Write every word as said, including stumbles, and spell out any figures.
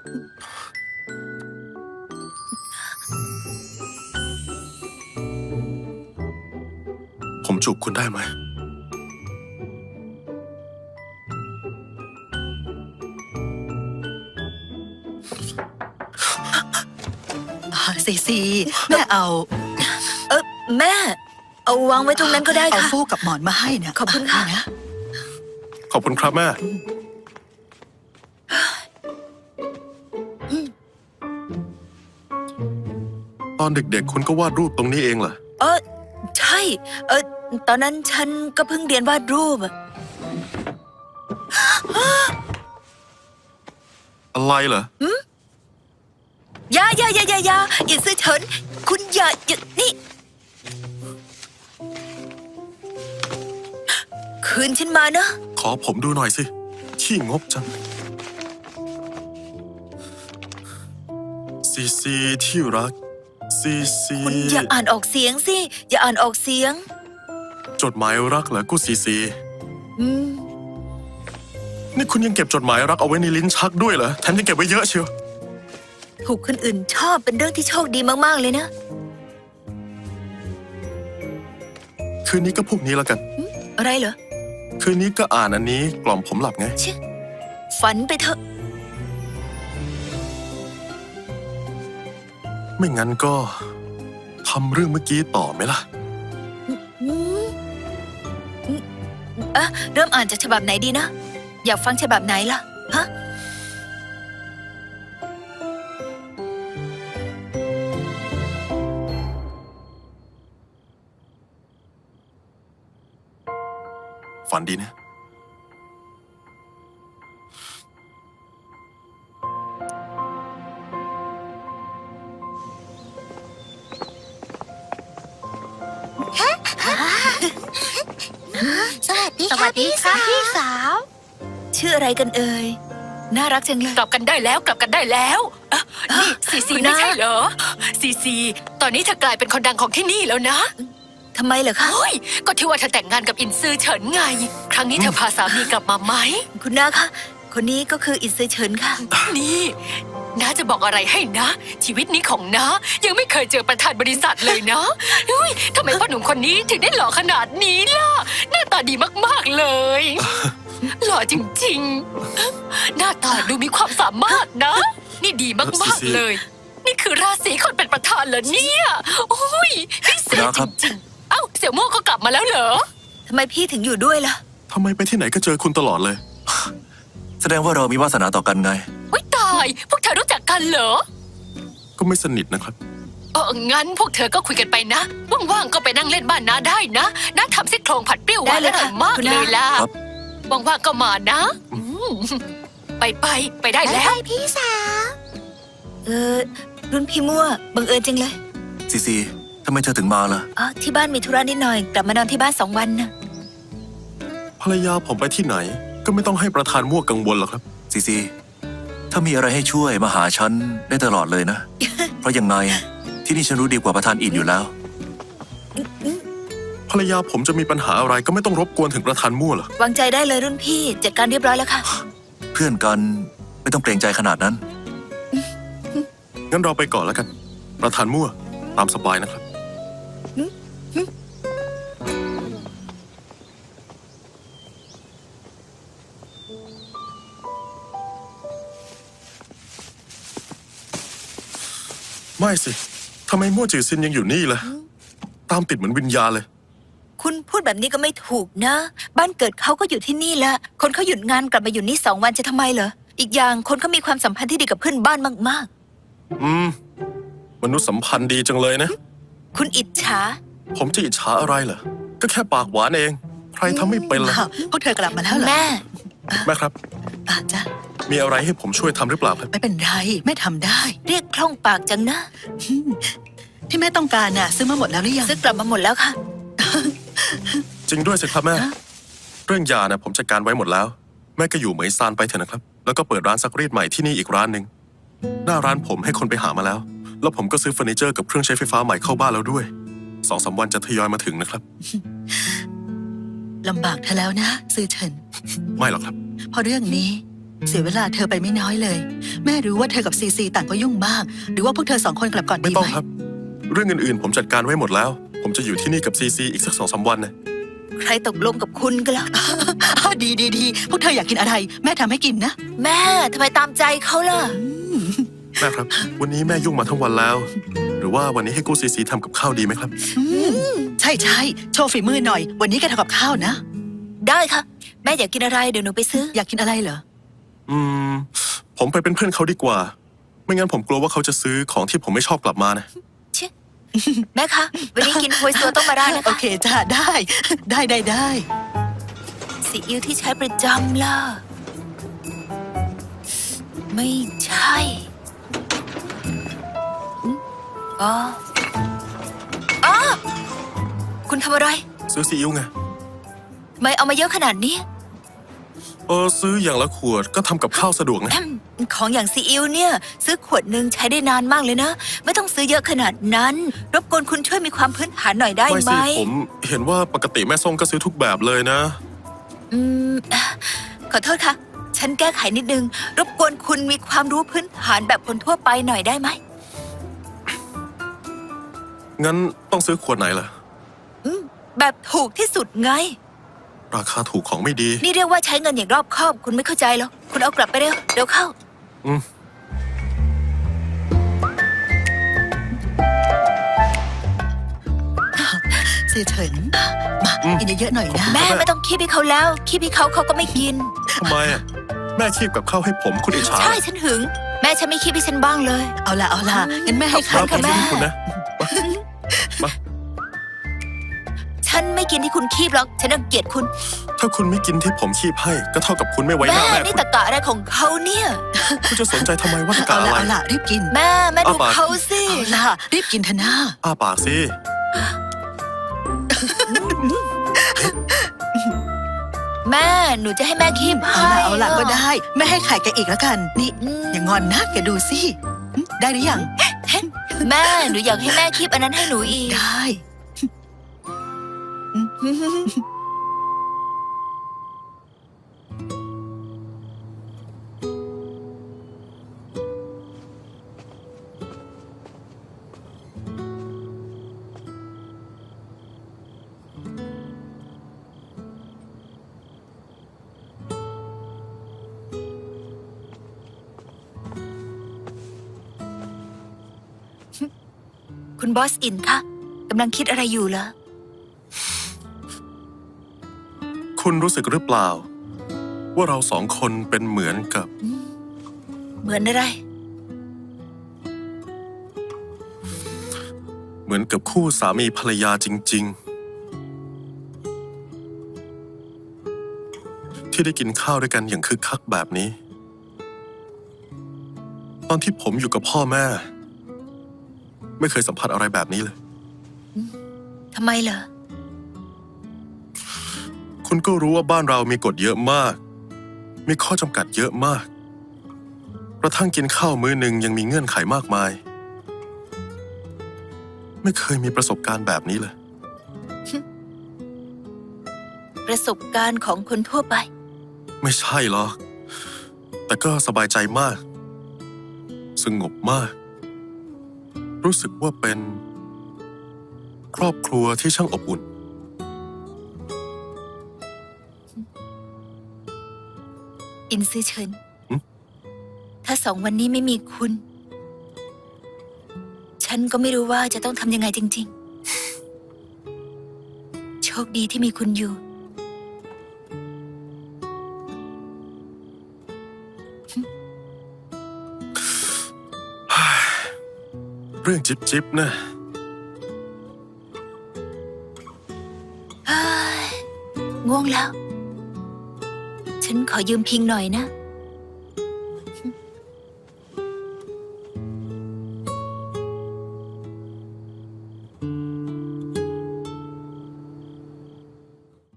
ผมจูบคุณได้ไหมซีซีแม่เอาเออแม่เอาวางไว้ตรงนั้นก็ได้เอาค่ะฟูกกับหมอนมาให้นะขอบคุณค่ะนี่นะขอบคุณครับแม่ตอนเด็กๆคุณก็วาดรูปตรงนี้เองเหรอเออใช่เออตอนนั้นฉันก็เพิ่งเรียนวาดรูปอะอะไรเหรออย่าอย่าอย่าอย่าอย่าอย่าซื้อเฉินคุณอย่าอย่านี่คืนฉันมานะขอผมดูหน่อยสิขี้งกจังซีซีที่รักซีซีคุณอย่าอ่านออกเสียงสิอย่าอ่านออกเสียงจดหมายรักเหรอกูซีซีอืมนี่คุณยังเก็บจดหมายรักเอาไว้ในลิ้นชักด้วยเหรอแถมยังเก็บไว้เยอะเชียวถูกคนอื่นชอบเป็นเรื่องที่โชคดีมากๆเลยนะคืนนี้ก็พวกนี้แล้วกันอะไรเหรอคืนนี้ก็อ่านอันนี้กล่อมผมหลับไงเชี่ยฝันไปเถอะไม่งั้นก็ทำเรื่องเมื่อกี้ต่อไหมล่ะอืมอืมอ่ะเริ่มอ่านจากฉบับไหนดีนะ อยากฟังฉบับไหนล่ะ ฮะฝันดีนะสวัสดีค่ะพี่สาวพี่สาวชื่ออะไรกันเอ่ย น่ารักจังเลยกลับกันได้แล้วกลับกันได้แล้วอ่ะนี่ซีซีคุณไม่น้าใช่เหรอซีซีตอนนี้เธอกลายเป็นคนดังของที่นี่แล้วนะทำไมเหรอคะโอ้ยก็ที่ว่าเธอแต่งงานกับอินซือเฉินไง ครั้งนี้เธอพาสามีกลับมาไหมคุณน้าคะ คนนี้ก็คืออินซือเฉินค่ะนี่น้าจะบอกอะไรให้นะ ชีวิตนี้ของน้ายังไม่เคยเจอประธานบริษัทเลยนะอุ้ยทำไมพ่อหนุ่มคนนี้ถึงได้หล่อขนาดนี้ล่ะหน้าตาดีมากๆเลย หล่อจริงๆ หน้าตาดูมีความสามารถนะ นี่ดีมากๆเลย นี่คือราศีคนเป็นประธานเหรอเนี่ยโอ้ยพิเศษจริงๆเอ้าเสี่ยวโม่ก็กลับมาแล้วเหรอทำไมพี่ถึงอยู่ด้วยล่ะทำไมไปที่ไหนก็เจอคุณตลอดเลยแสดงว่าเรามีวาสนาต่อกันไงอุ้ยตาย พวกเธอรู้จักกันเหรอก็ไม่สนิทนะครับเอองั้นพวกเธอก็คุยกันไปนะ ว่างๆก็ไปนั่งเล่นบ้านน้าได้นะน้าทำซี่โครงผัดเปรี้ยวหวานได้อเลยร่อค่ะยมากคุณเลน้ายล่ะครับว่างๆก็มานะอืมไปไปไปได้แล้วไปพี่สาวเออ รุ่นพี่มั่วบังเอิญจังเลยซีซีทำไมเธอถึงมาล่ะอ๋อ ที่บ้านมีธุระนิดหน่อย กลับมานอนที่บ้านสองวันนะภรรยาผมไปที่ไหน ก็ไม่ต้องให้ประธานมั่วกังวลหรอกครับซีซีถ้ามีอะไรให้ช่วยมาหาฉันได้ตลอดเลยนะ เพราะยังไงที่นี่ฉันรู้ดีกว่าประธานอินอยู่แล้วภรรยาผมจะมีปัญหาอะไรก็ไม่ต้องรบกวนถึงประธานมั่วหรอกวางใจได้เลยรุ่นพี่ จัดการเรียบร้อยแล้วค่ะเพื่อนกันไม่ต้องเกรงใจขนาดนั้นงั้นเราไปก่อนแล้วกัน ประธานมั่วตามสบายนะครับ ไม่สิ ทำไมมั่วจือซินยังอยู่นี่ล่ะ ตามติดเหมือนวิญญาณเลยคุณพูดแบบนี้ก็ไม่ถูกนะ บ้านเกิดเขาก็อยู่ที่นี่แหละ คนเขาหยุดงานกลับมาอยู่นี่สองวันจะทำไมเหรอ อีกอย่างคนเขามีความสัมพันธ์ที่ดีกับเพื่อนบ้านมากอืม มนุษย์สัมพันธ์ดีจังเลยนะๆ คุณอิจฉาผมจะอิจฉาอะไรเหรอ ก็แค่ปากหวานเอง ใครทำไม่เป็นล่ะอ้าวพวกเธอกลับมาแล้วเหรอแม่แม่ครับอ่ะจ้ะมีอะไรให้ผมช่วยทำหรือเปล่าครับไม่เป็นไรแม่ทำได้เรียกคล่องปากจังนะที่แม่ต้องการน่ะซื้อมาหมดแล้วหรือยังซื้อกลับมาหมดแล้วค่ะจริงด้วยสิครับแม่ฮะเรื่องยานะผมจัดการไว้หมดแล้ว แม่ก็อยู่เหมยซานไปเถอะนะครับ แล้วก็เปิดร้านซักรีดใหม่ที่นี่อีกร้านหนึ่งหน้าร้านผมให้คนไปหามาแล้ว แล้วผมก็ซื้อเฟอร์นิเจอร์กับเครื่องใช้ไฟฟ้าใหม่เข้าบ้านแล้วด้วยสองสามวันจะทยอยมาถึงนะครับลำบากเธอแล้วนะซื้อเฉินไม่หรอกครับเพราะเรื่องนี้เสียเวลาเธอไปไม่น้อยเลย แม่รู้ว่าเธอกับซีซีต่างก็ยุ่งมาก หรือว่าพวกเธอสองคนกลับก่อนไม่ดีต้อไหงมครับ เรื่องอื่นๆ ผมจัดการไว้หมดแล้ว ผมจะอยู่ที่นี่กับซีซีอีกสักสองสามวันนะใครตกลงกับคุณกันล่ะอ้าวดีดีดีพวกเธออยากกินอะไร แม่ทำให้กินนะแม่ทำไมตามใจเขาล่ะแม่ครับ วันนี้แม่ยุ่งมาทั้งวันแล้ว หรือว่าวันนี้ให้กู้ซีซีทำกับข้าวดีไหมครับใช่ใช่โชว์ฝีมือหน่อย วันนี้แกทำกับข้าวนะได้ค่ะ แม่อยากกินอะไรเดี๋ยวหนูไปซื้ออยากกินอะไรเหรออืม ผมไปเป็นเพื่อนเขาดีกว่า ไม่งั้นผมกลัวว่าเขาจะซื้อของที่ผมไม่ชอบกลับมานะชิแม่คะ วันนี้กินโฮยซัวต้องมาได้นะโอคะเคจ้าได้ ได้ได้ได้ซีอิ๊วที่ใช้ประจำล่ะ ไม่ใช่อืมอ๋ออ๋อคุณทำอะไรซื้อซีอิ๊วไงไม่เอามาเยอะขนาดนี้เออซื้ออย่างละขวดก็ทำกับข้าวสะดวกนะแอมของอย่างซีอิ๊วเนี่ย ซื้อขวดหนึ่งใช้ได้นานมากเลยนะ ไม่ต้องซื้อเยอะขนาดนั้น รบกวนคุณช่วยมีความพื้นฐานหน่อยได้ไม่ไหมสิผมเห็นว่าปกติแม่ส้มก็ซื้อทุกแบบเลยนะอืมขอโทษค่ะ ฉันแก้ไขนิดนึง รบกวนคุณมีความรู้พื้นฐานแบบคนทั่วไปหน่อยได้ไหมงั้นต้องซื้อขวดไหนล่ะอืมแบบถูกที่สุดไงราคาถูกของไม่ดีนี่เรียกว่าใช้เงินอย่างรอบคอบ คุณไม่เข้าใจหรอกคุณเอากลับไปเร็วเร็วเข้าอืมเสียเฉิน มา กินเยอะๆหน่อยนะแม่ไม่ต้องคีบให้เขาแล้วคีบให้เขาเขาก็ไม่กินทำไมอ่ะ แม่คีบกับข้าวให้ผมคุณอิจฉาใช่ฉันหึง แม่ฉันไม่คีบให้ฉันบ้างเลยเอาละเอาละงั้นแม่ให้ขขาอบยคุกัณนค่ะนะแม่คุณนะ มาฉันไม่กินที่คุณคีบหรอก ฉันรังเกียจคุณถ้าคุณไม่กินที่ผมคีบให้ ก็เท่ากับคุณไม่ไว้หแม่น้าแม่นี่คุณตะกะอะไรของเขาเนี่ยคุณจะสนใจทำไมว่าตะกาเอาอะละไรเอาละรีบกินแม่แม่ดูเอาปากเขาสิเอาละรีบกินเถอะนะอ้าปากสิแม่หนูจะให้แม่คีบเอาให้ละเอาละก็ได้ ไม่ให้ไข่แกอีกแล้วกัน นี่อืมอย่างอนนะแกดูสิหึได้หรือยังแม่หนูอยากให้แม่คีบอันนั้นให้หนูอีกได้คุณบอสอินคะกำลังคิดอะไรอยู่เหรอคุณรู้สึกหรือเปล่า ว่าเราสองคนเป็นเหมือนกับเหมือนอะไรเหมือนกับคู่สามีภรรยาจริง ๆ ที่ได้กินข้าวด้วยกันอย่างคึกคักแบบนี้ ตอนที่ผมอยู่กับพ่อแม่ ไม่เคยสัมผัสอะไรแบบนี้เลยทำไมเหรอคุณก็รู้ว่าบ้านเรามีกฎเยอะมาก มีข้อจำกัดเยอะมาก กระทั่งกินข้าวมื้อหนึ่งยังมีเงื่อนไขมากมาย ไม่เคยมีประสบการณ์แบบนี้เลยประสบการณ์ของคนทั่วไปไม่ใช่หรอก แต่ก็สบายใจมาก สงบมาก รู้สึกว่าเป็น ครอบครัวที่ช่างอบอุ่นอินซื้อเฉินหึถ้าสองวันนี้ไม่มีคุณ ฉันก็ไม่รู้ว่าจะต้องทำยังไงจริง ๆ โชคดีที่มีคุณอยู่เรื่องจิบจิบๆนะเฮ้ยง่วงแล้ว ฉันขอยืมพิงหน่อยนะ